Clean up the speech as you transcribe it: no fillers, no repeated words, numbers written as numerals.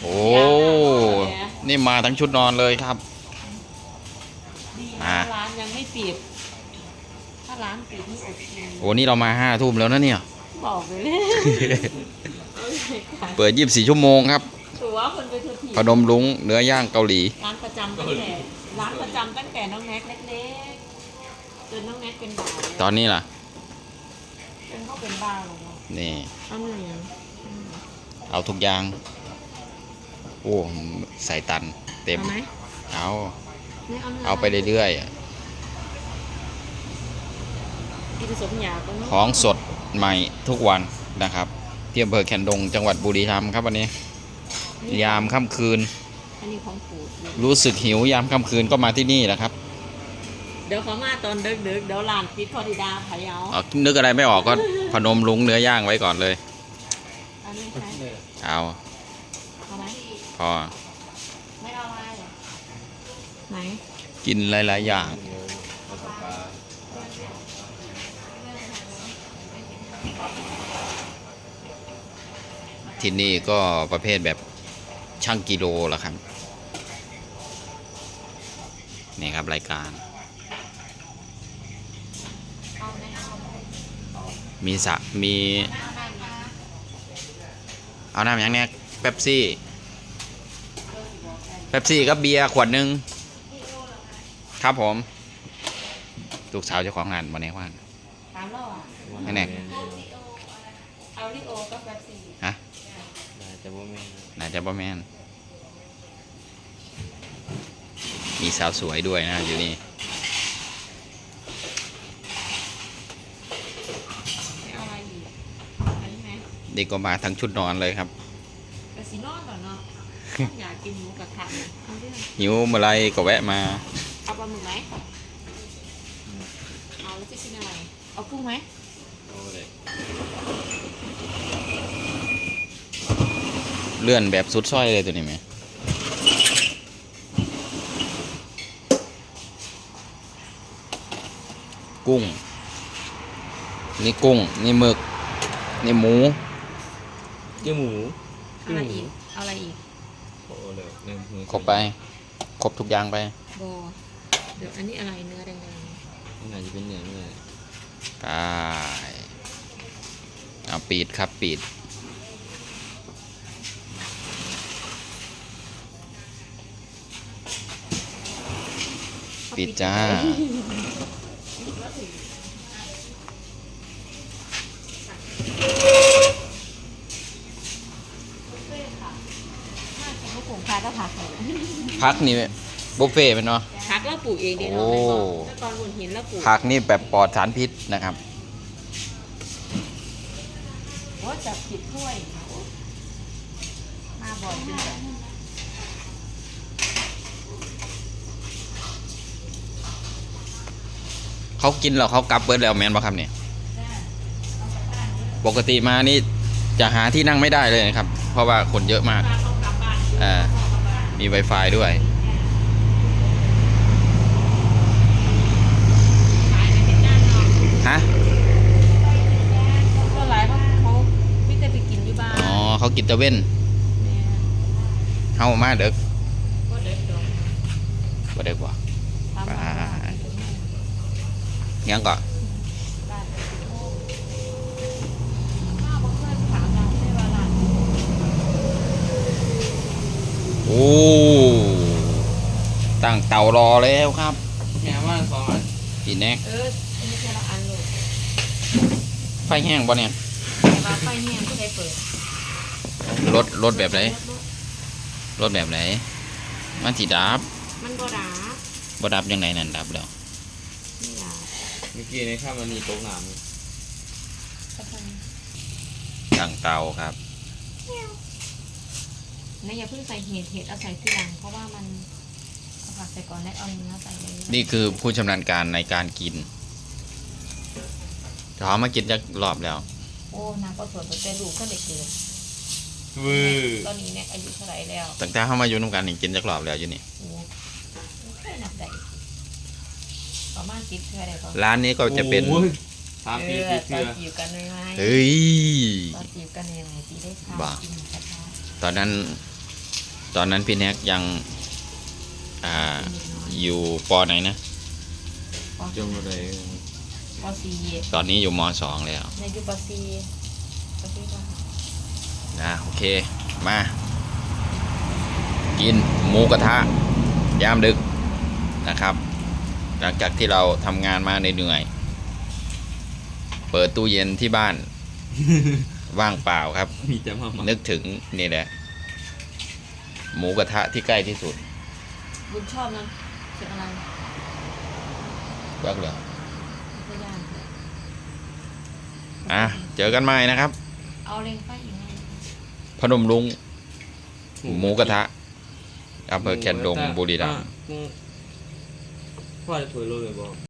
โอ้ นี่มาทั้งชุดนอนเลยครับดีนะร้านยังไม่ปิดถ้าร้านปิดนี่อดกินโอ้นี่เรามา5 ทุ่มแล้วนะเนี่ยบอกเลยเปิด24 ชั่วโมงครับตัวคนไปทุกทีพนมรุ้งเนื้อย่างเกาหลีร้านประจำตั้งแต่น้องแน็กเล็กๆจนน้องแน็กเป็นบ่าวตอนนี้ล่ะจนเขาเป็นบ้าวแล้วนี่เอาหนึ่งเอาทุกอย่าง โอ้ใส่ตันเต็มเอาไหมเอาไม่เอาเนื้อเอาไปเรื่อยๆกินสมอยากก็เนอะของสดใหม่ทุกวันนะครับที่อำเภอแคนดงจังหวัดบุรีรัมย์ครับวันนี้ ยามค่ำคืนอันนี้ของปู่รู้สึกหิวยามค่ำคืนก็มาที่นี่แหละครับเดี๋ยวเขามาตอนดึกๆเดี๋ยวร้านปิดพอดีดาพะเยาเอานึกอะไรไม่ออกก็พนมรุ้งเนื้อย่างไว้ก่อนเลยอันนี้ใช่เอาเอาไหมพอไม่เอาอะไรไหนกินหลายๆอย่างที่นี่ก็ประเภทแบบช่างกิโลละครับนี่ครับรายการ มีเอาน้ำอย่างเนี้ยเป๊ปซี่ก็เบียร์ขวดหนึ่งครับผมลูกสาวเจ้าของร้านวันนี้ว่างถามเราอ่ะแน่เอาลิโอก็แบบสี่ฮะน่าจะบ่แม่นน่าจะบ่แมนมีสาวสวยด้วยนะอยู่นี่ไม่เอาอะไรอีกอันนี้ไหมเด็กก็มาทั้งชุดนอนเลยครับกระสีนอนก่อนเนาะ อยากกินหมูกระทะเนี่ยเอาเรื่องหิวเมื่อไรก็แวะมาเอาปลาหมึกไหมเอาแล้วจะกินอะไรเอากุ้งไหมโอ้เลยเลื่อนแบบสุดส้อยเลยตัวนี้ไหมกุ้ง นี่กุ้ง นี่หมึก นี่หมูเจ้าหมูเอาอะไรอีกเอาอะไรอีกโอ้เลยหนึ่งมือครบไป ครบทุกอย่างไปโบเดี๋ยวอันนี้อะไรเนื้อแดงน่าจะเป็นเนื้อเลยไปเอาปีดครับปีดปีดจ้าน่ากินลูกผงพาก็ผักเลยพักนี่บุฟเฟ่ต์เป็นเนาะผักแล้วปลูกเองดีเนาะโอ้แล้วตอนบนหินแล้วปลูกพักนี่แบบปลอดสารพิษนะครับว่าจะผิดถ้วยมาบ่อยจริงเขากินแล้วเขากลับเบิดแล้วแมนบ่ครับเนี่ยปกติมานี่จะหาที่นั่งไม่ได้เลยนะครับ เพราะว่าคนเยอะมากๆเขากลับบ้านอ่ามี Wi-Fi ด้วยขายในเป็นด้านนอกฮะก็หลายเพราะเขาไม่ได้ไปกินอยู่บ้านอ๋อเขากินตะเว้นแม่เฮามาเด็กก็เด็กดอกบ่ได้กว่าทำมายังก่อนบ้านข้าวบ่เคยถามเราไม่ว่าร้านโอ้ตั้งเตารอแล้วครับแม่ว่าสองอันอีแน็กอันนี้แค่ละอันเลยไฟแห้งบ่เนี่ยแต่ว่าไฟแห้งก็ได้เปิดรถแบบไหนรถแบบไหนมันสิดับมันก็ด่าบ่ดับยังไงนั่นดับแล้วไม่ด่าเมื่อกี้ในข้ามมันมีโต๊ะน้ำก็ทตั้งเตาครับำอย่าเพิ่งใส่เห็ดเอาใส่ทีหลังเพราะว่ามันเอาผักใส่ก่อนแล้วเอาเนื้อใส่เลยนี่คือผู้ชำนาญการในการกินเขามากินจักรอบแล้วโอ้น้ำก็สวยแต่ลูกก็เด็กเกินวือตอนนี้เนี่ยอายุเท่าไหร่แล้วตั้งแต่เข้ามาอยู่น้ำกันนี่กินจักรอบแล้วอยู่นี่โอ้ไม่เคยนับได้ประมาณ10เท่าไหร่ก็ร้านนี้ก็จะเป็นโอ้ยสามปีตเชื่อนอจีบกันไหมเฮ้ยตอนจีบกันยังไงจีได้ค่ะบ้ากินกระทะตอนนั้นตอนนั้นพี่แน็กยังอยู่ปไหนนะจงอะไรปอซีตอนนี้อยู่ม2แล้วในอยู่ปอซีปอซีก็โอเคมากินหมูกระทะยามดึกนะครับ หลังจากที่เราทำงานมาเหนื่อยๆเปิดตู้เย็นที่บ้าน ว่างเปล่าครับมีแต่มานึกถึงนี่แหละหมูกระทะที่ใกล้ที่สุดบุญชอบนั้นเสียงอะไรก็เหรอไม่ย่านเจอกันใหม่นะครับเอาเล็งไฟอีกไงพนมรุ้งหมูกระทะอำเภอแคนดงบุรีรัมย์พ่อจะเผยโลเลยบอก